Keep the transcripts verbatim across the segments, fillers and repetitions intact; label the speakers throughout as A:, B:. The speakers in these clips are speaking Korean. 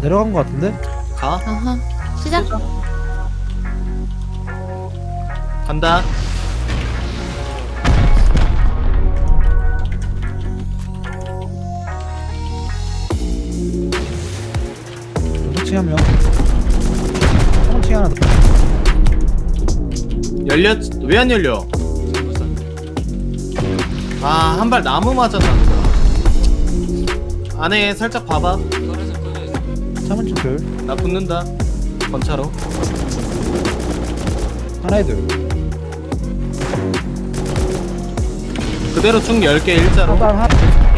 A: 내려간 거 같은데?
B: 가.
C: 아하. 시작.
B: 간다.
A: 층 한 명. 층 하나 더.
B: 열렸. 왜 안 열려? 아, 한 발 나무 맞았나 보다. 안에 살짝 봐봐.
A: 삼 층 둘.
B: 나 붙는다. 건차로.
A: 하나에 둘.
B: 그대로 쭉 열 개 일자로.
A: 하단 하나.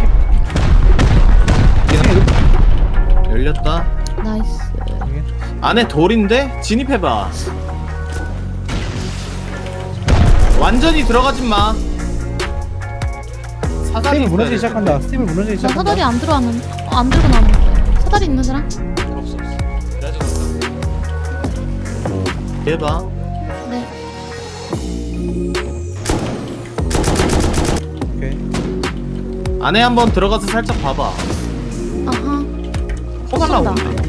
B: 열렸다.
C: 나이스.
B: 안에 돌인데? 진입해봐. 완전히 들어가지 마. 사다리
A: 스텝이 무너지기
B: 있어야
A: 시작한다. 스텝이 무너지기
C: 나
A: 시작한다.
C: 사다리 안 들어왔는. 어, 안 들고 나왔는데. 사다리 있는 사람?
D: 없어 없어. 내가 들어갔다.
B: 해봐.
C: 네.
A: 오케이.
B: 안에 한번 들어가서 살짝 봐봐.
C: 아하.
B: 포가
C: 쏜다.
B: 나오는데.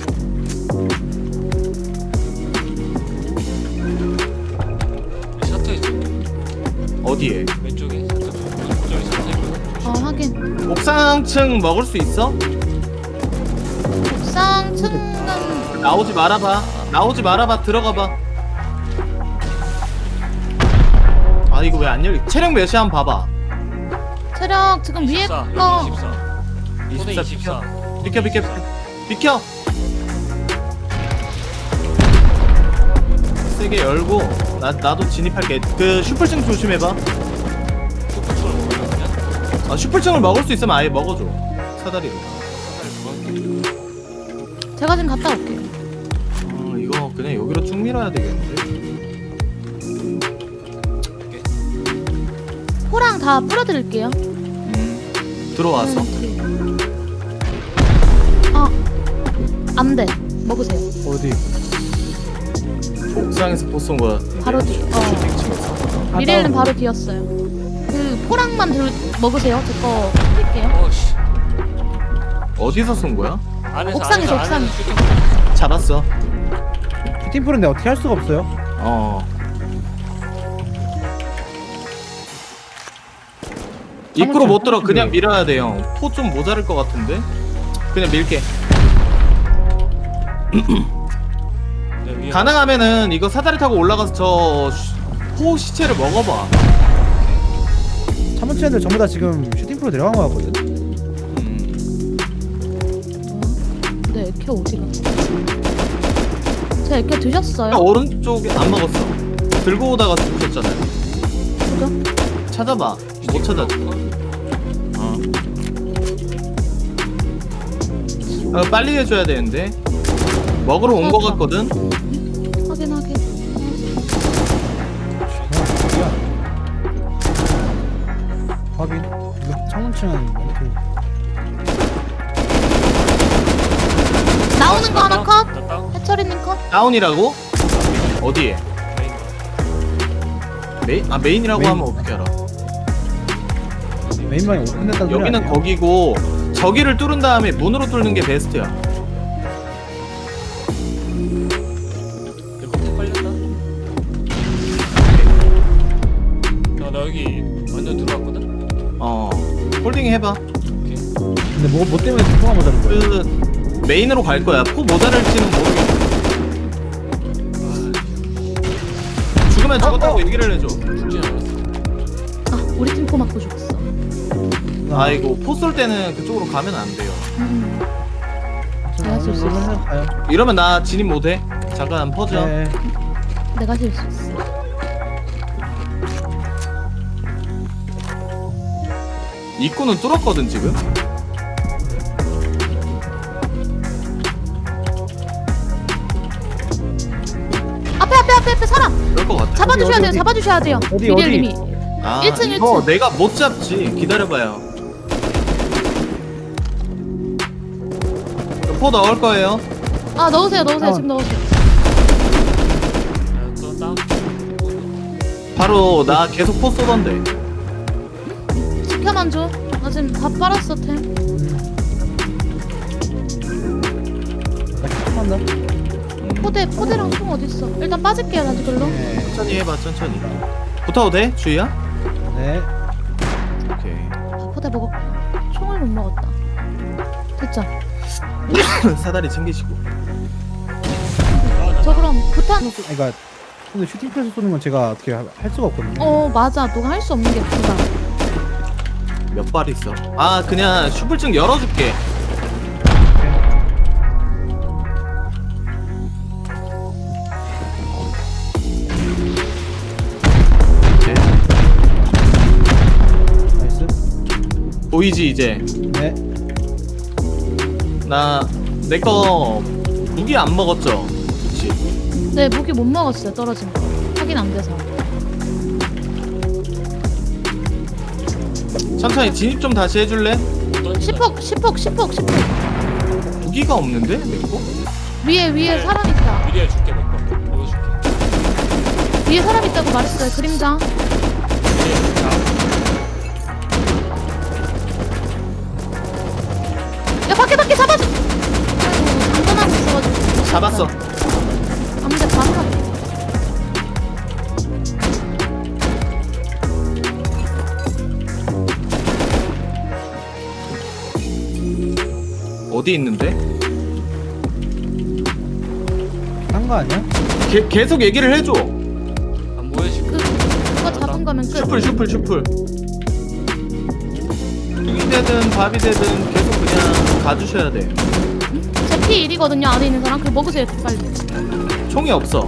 D: 셔터 있어.
B: 어디에?
D: 왼쪽에 셔터. 저기 셔터 있거든.
C: 어, 확인.
B: 옥상층 먹을 수 있어?
C: 옥상 층은
B: 나오지 말아봐. 나오지 말아봐. 들어가봐. 아, 이거 왜 안 열리? 체력 몇이 한번 봐봐.
C: 체력 지금 위에
D: 이십사,
C: 거.
D: 이십사. 손에
B: 이십사
D: 이십사.
B: 비켜 비켜 비켜. 세게 열고 나 나도 진입할게. 그 슈플층 조심해봐.
D: 슈퍼초를 먹으면 그냥
B: 아, 슈플층을 먹을 수 있으면 아예 먹어줘. 사다리로.
D: 사다리 그만.
C: 제가 지금 갔다 올게요.
B: 아, 이거 그냥 여기로 쭉 밀어야 되겠는데.
C: 포랑 다 뿌려드릴게요.
B: 음, 들어와서.
C: 어. 안 돼. 먹으세요.
A: 어디?
B: 옥상에서 포쏜 거야.
C: 바로 뒤. 어.
B: 슈팅층에서.
C: 미래일은 바로 뒤였어요. 그 포랑만 들 먹으세요. 제 거 뿌릴게요.
D: 어씨.
B: 어디서 쏜 거야?
D: 안에서
C: 옥상에서,
D: 안에서, 안에서
C: 옥상.
D: 슈팅.
B: 잡았어.
A: 슈팅 프로인데 어떻게 할 수가 없어요?
B: 어. 입구로 못 들어. 그냥 밀어야 돼, 형. 포 좀 모자랄 것 같은데. 그냥 밀게.
D: 네, 위에
B: 가능하면은 이거 사다리 타고 올라가서 저 포 시체를 먹어봐.
A: 삼 층 애들 전부 다 지금 슈팅 프로 내려간 거 같거든.
B: 음.
C: 네, 에케 어디가? 제 에케 드셨어요?
B: 오른쪽에 안 먹었어. 들고 오다가 죽으셨잖아요.
C: 그죠?
B: 찾아봐. 못 찾아. 어. 아, 빨리 해줘야 되는데. 먹으러 온 거 같거든.
C: 확인 확인.
A: 확인. 이거 창문층은 이렇게.
C: 나오는 거 하나 컷.
D: 나 다운.
C: 해철이님 컷.
B: 다운이라고? 어디에?
D: 메인.
B: 메인? 아, 메인이라고
A: 메인.
B: 하면 어떻게 알아?
A: 메인방이 오픈됐다는 소리
B: 여기는
A: 아니에요?
B: 거기고 저기를 뚫은 다음에 문으로 뚫는 게 베스트야.
D: 이거 탁 빨렸다. 나, 나 여기 완전 들어왔거든.
B: 어. 홀딩 해봐.
A: 근데 뭐, 뭐 때문에 통화 못 하는 거야?
B: 그 메인으로 갈 거야. 포 모자랄지는 모르겠어. 죽으면 죽었다고 얘기를 해줘.
D: 죽지 않았어.
C: 아, 우리 팀 포 맞고 죽었어.
B: 아이고, 포 쏠 때는 그쪽으로 가면 안 돼요.
C: 음. 내가 쓸 수 있어.
A: 그러면 가요.
B: 이러면 나 진입 못해. 잠깐 퍼져.
A: 네.
C: 내가 질 수 있어.
B: 입구는 뚫었거든 지금.
C: 앞에 앞에 앞에 앞에 사람.
B: 그럴 것 같아.
C: 잡아주셔야
A: 어디,
C: 돼요.
A: 어디?
C: 잡아주셔야 돼요.
A: 어디,
C: 미래일님이.
B: 아,
C: 일 층,
B: 이거
C: 일 층.
B: 내가 못 잡지. 기다려봐요. 포 넣을 거예요.
C: 아 넣으세요 넣으세요
A: 어.
C: 지금 넣으세요.
D: 야, 또 다운.
B: 바로 나 계속 포 쏘던데.
C: 지켜만 줘. 나 지금 다 빨았어 템. 포대 포대랑 총 어디 있어? 일단 빠질게요 다시 글로.
A: 네.
B: 천천히 해봐 천천히. 붙어도 돼 주희야?
A: 네.
B: 오케이.
C: 아, 포대 먹었고 총을 못 먹었다. 됐죠?
B: 사다리 챙기시고.
C: 저 그럼 부탄.
A: 그러니까 근데 슈팅클에서 쏘는 건 제가 어떻게 할 수가 없거든요.
C: 어 맞아. 너가 할 수 없는 게 부탄.
B: 몇 발 있어? 아 그냥 슈플증 열어줄게. 오케이.
A: 나이스.
B: 보이지 이제?
A: 네.
B: 나 내 거 무기 안 먹었죠? 그치?
C: 네 무기 못 먹었어요. 떨어진 거. 확인 안 돼서.
B: 천천히 진입 좀 다시 해줄래?
C: 십폭 십폭 십폭 십폭.
B: 무기가 없는데? 내 거?
C: 위에 위에
D: 네.
C: 사람 있다.
D: 미리야 줄게 내거 이거 줄게.
C: 위에 사람 있다고 말했어요. 그림자.
D: 미리야 자
C: 야 밖에 밖에 잡아줘. 아이고 안전하고 있어가지고.
B: 잡았어.
C: 아무데 바로 갈게.
B: 어디 있는데?
A: 한 거 아니야?
B: 게, 계속 얘기를 해줘.
D: 안 보여줄게.
C: 그 그거 잡은 거면 끝.
B: 슈플 슈플 슈플. 뚱이 되든 밥이 되든 계속 그냥 가주셔야 돼.
C: 제 피 일이거든요. 안에 있는 사람. 그거 먹으세요 빨리.
B: 총이 없어.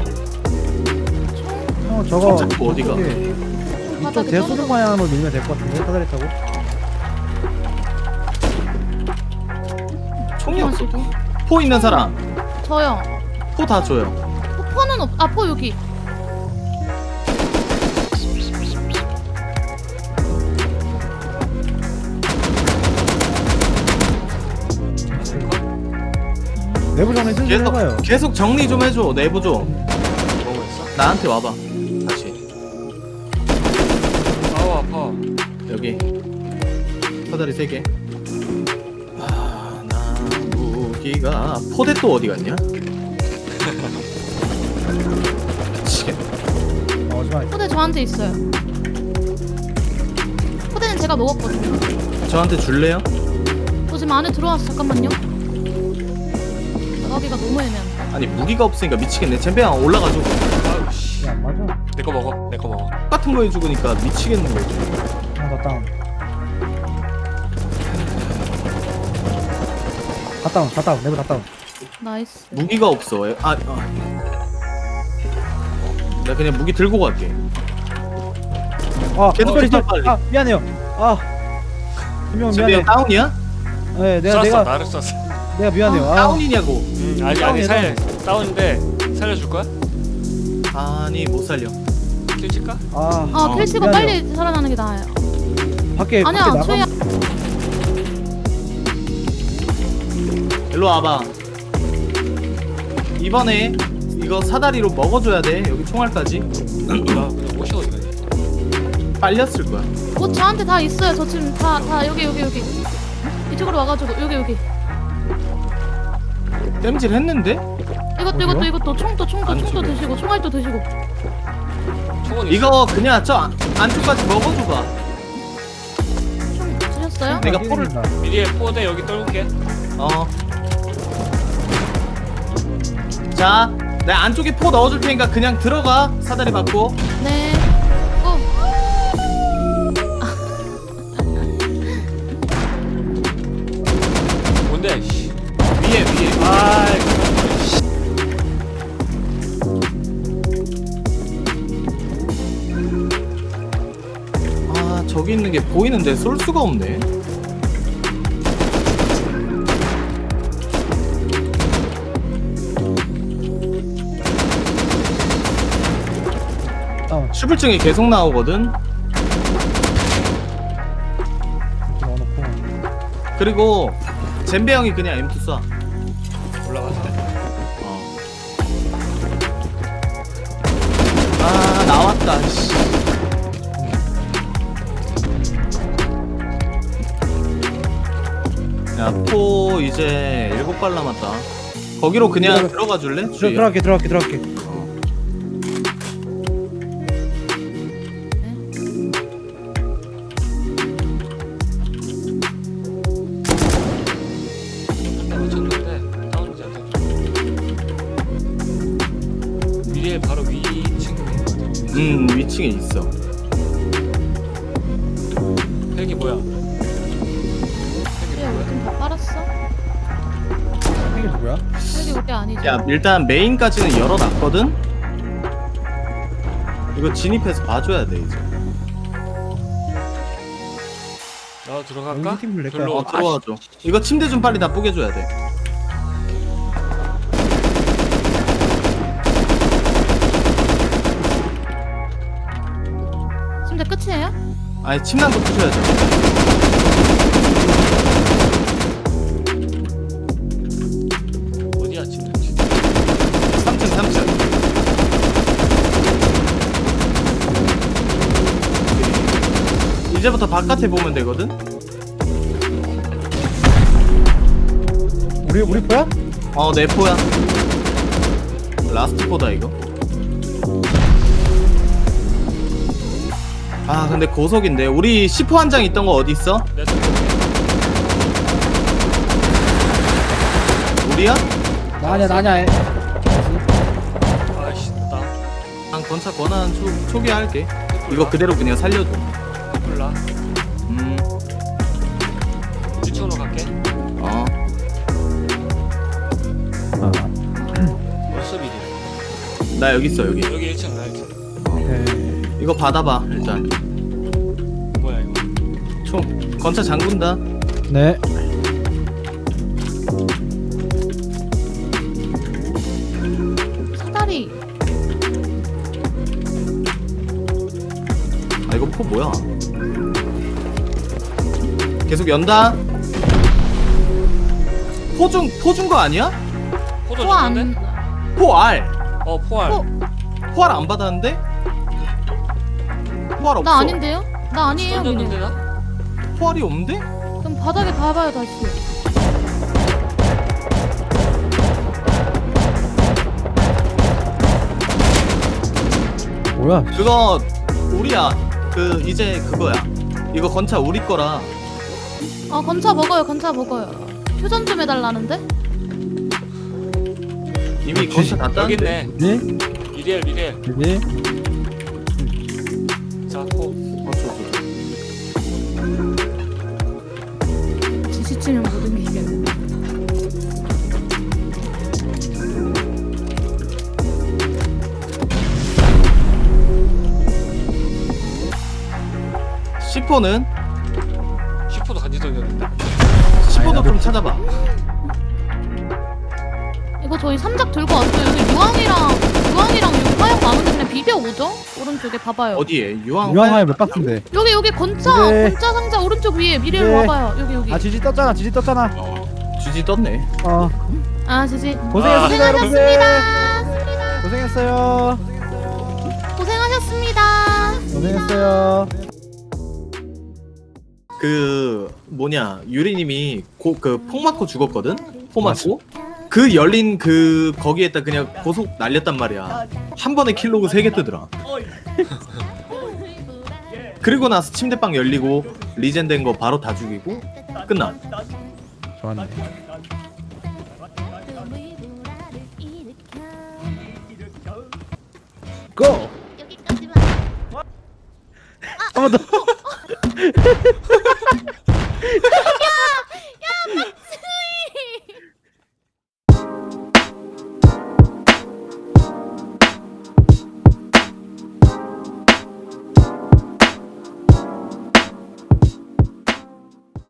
A: 형 저거
B: 손 잡고 어디가?
A: 저기 이쪽
C: 바닥에
A: 대소를
C: 떨어져.
A: 방향으로 밀면 될 것 같은데 사다리 타고.
B: 총이 없어.
C: 마시고.
B: 포 있는 사람.
C: 저요.
B: 포 다 줘요.
C: 포, 포는 없. 아 포 여기.
A: 내부 정리 슬슬
B: 계속
A: 해봐요.
B: 계속 정리 좀 해줘. 내부 좀.
D: 뭐고 있어?
B: 나한테 와봐. 다시
D: 아우 아파.
B: 여기 사다리 세 개. 아, 나 무기가 포대 또 어디 갔냐? 미치겠네.
A: 어, 잠깐.
C: 포대 저한테 있어요. 포대는 제가 먹었거든요.
B: 저한테 줄래요?
C: 저 지금 안에 들어왔어. 잠깐만요. 나가기가 너무 애매한데.
B: 아니 무기가 없으니까 미치겠네. 잼배야 올라가줘.
D: 아우 씨.
A: 안 맞아.
D: 내 거 먹어. 내 거 먹어.
B: 똑같은 거 해주니까 미치겠는 거지.
A: 하나 더 다운. 다 다운, 다 다운, 내부 다 다운.
C: 나이스.
B: 무기가 없어. 아, 아. 나 그냥 무기 들고 갈게.
A: 아,
B: 계속
A: 어,
B: 계속
A: 아,
B: 빨리.
A: 아, 미안해요. 아, 분명
B: 잼배야
A: 미안해.
B: 다운이야?
A: 네, 내가
D: 쐈어.
A: 내가
D: 나를 쐈어.
A: 내가 미안해요. 아,
B: 다운이냐고.
D: 음, 아니 아니 살 다운인데 살려줄 거야?
B: 아니 못 살려.
D: 킬 칠까?
A: 아,
C: 아
B: 어,
C: 킬치고
A: 미안해요.
C: 빨리 살아나는 게 나아요.
A: 밖에
C: 아니야
A: 밖에
C: 최야.
A: 나가.
B: 일로 와봐. 이번에 이거 사다리로 먹어줘야 돼. 여기 총알까지.
D: 나 그냥 옷이 어디 가냐?
B: 빨렸을 거야.
C: 옷 저한테 다 있어요. 저 지금 다 다 여기 여기 여기. 이쪽으로 와가지고 여기 여기.
B: 땜질 했는데?
C: 이것도
A: 어디요?
C: 이것도 이것도 총도 총도
B: 안
C: 총도
B: 집에.
C: 드시고 총알도 드시고.
D: 총은 있어.
B: 이거 그냥 저 안- 안쪽까지 먹어줘봐.
C: 총 드셨어요?
B: 내가
A: 아,
B: 포를-
A: 뛰어든다.
D: 미리에 포대 여기 떨굴게.
B: 어. 자, 내 안쪽에 포 넣어줄 테니까 그냥 들어가. 사다리 받고.
C: 네. 고.
D: 뭔데? 씨.
B: 위에 위에.
D: 아.
B: 아 저기 있는 게 보이는데 쏠 수가 없네.
A: 다운.
B: 슈플증이 계속 나오거든.
A: 이렇게 넣어놓고.
B: 그리고 잼배 형이 그냥 엠 투 쏴.
D: 올라가서.
B: 어. 아 나왔다. 씨. 야, 포 이제 일곱 발 남았다. 거기로 그냥
A: 들어가-
B: 들어가 줄래?
A: 들어,
B: 주희야.
A: 들어갈게 들어갈게 들어갈게.
D: 나 맞췄는데 다운로드 안 돼. 위에 바로 위층인 것 같아.
B: 음 위층에 있어.
D: 헬기 뭐야? 헬기
C: 그래 우리
D: 뭐야?
C: 팀다 빨았어?
A: 이게 누구야?
C: 여기 우리 아니지?
B: 야 일단 메인까지는 열어놨거든. 이거 진입해서 봐줘야 돼 이제.
D: 나 들어갈까?
A: 여기 팀을 낼까요?
D: 별로
B: 어 들어와줘. 이거 침대 좀 빨리 다 뽀개줘야 돼.
C: 침대 끝이에요?
B: 아니 침낭도 부셔야죠.
D: 어디야 지금?
B: 삼 층 삼 층. 이제부터 바깥에 보면 되거든.
A: 우리 우리 포야?
B: 어 내포야. 라스트 포다 이거. 아 근데 고속인데 우리 시포 한 장 있던 거 어디 있어?
D: 내 손.
B: 우리야?
A: 나냐 나냐.
D: 아이씨 나
B: 난 건차 권한 초, 초기화할게. 이거 그대로 그냥 살려줘.
D: 몰라.
B: 음,
D: 위층으로 갈게.
B: 어.
A: 아,
D: 벌써 미리.
B: 나 여기 있어 여기.
D: 여기 일 층 나 일 층.
A: 오케이.
B: 이거 받아봐 일단.
D: 뭐야 이거?
B: 총 건차 잠근다.
A: 네.
C: 사다리.
B: 아 이거 포 뭐야? 계속 연다. 포중 포준 거 아니야?
D: 포도
C: 또 안.
D: 줬는데?
B: 포 R.
D: 어 포알.
C: 포.
B: 포알 안 받았는데? 포알 없어.
C: 나 아닌데요? 나 아니에요
D: 던졌는데
C: 미네.
D: 나?
B: 포알이 없는데?
C: 그럼 바닥에 봐봐요 다시.
A: 뭐야?
B: 그거 우리야. 그 이제 그거야. 이거 건차 우리 거라.
C: 아 건차 먹어요 건차 먹어요. 휴전 좀 해달라는데?
B: 이미
A: 어,
B: 건차 다
D: 여기
B: 땄는데.
D: 있네.
A: 네?
D: 미리엘 미리엘.
A: 여기.
D: 자 포.
B: 어, 저, 저, 저.
C: 지치치면 모든 게 이겼네.
B: 시포는
D: 슈퍼도 간지 던졌는데.
B: 시포도 좀 찾아봐.
C: 이거 저희 삼작 들고 왔어요. 여기 유황이랑 유황이랑 여기 화약 많은데 그냥 비벼 오죠? 오른쪽에 봐봐요.
B: 어디에? 유황.
A: 유황화에 몇 박스인데?
C: 여기 여기 건차
A: 네.
C: 건차 상자 오른쪽 위에 미래로
A: 네.
C: 와봐요. 여기 여기.
A: 아 지지 떴잖아 지지 떴잖아.
B: 주지 떴네.
A: 어
C: 아 지지.
A: 고생했습니다 여러분들.
C: 고생하셨습니다.
A: 고생했어요.
C: 고생하셨습니다.
A: 고생했어요.
B: 그 뭐냐 유리님이 고, 그 폭 맞고 죽었거든. 폭 맞고 그 열린 그 거기에다 그냥 고속 날렸단 말이야. 한 번에 킬로그 세 개 뜨더라. 그리고 나서 침대방 열리고 리젠 된 거 바로 다 죽이고 끝나.
A: 좋았네. 고!
C: 여기까지만.
A: 한 번 더.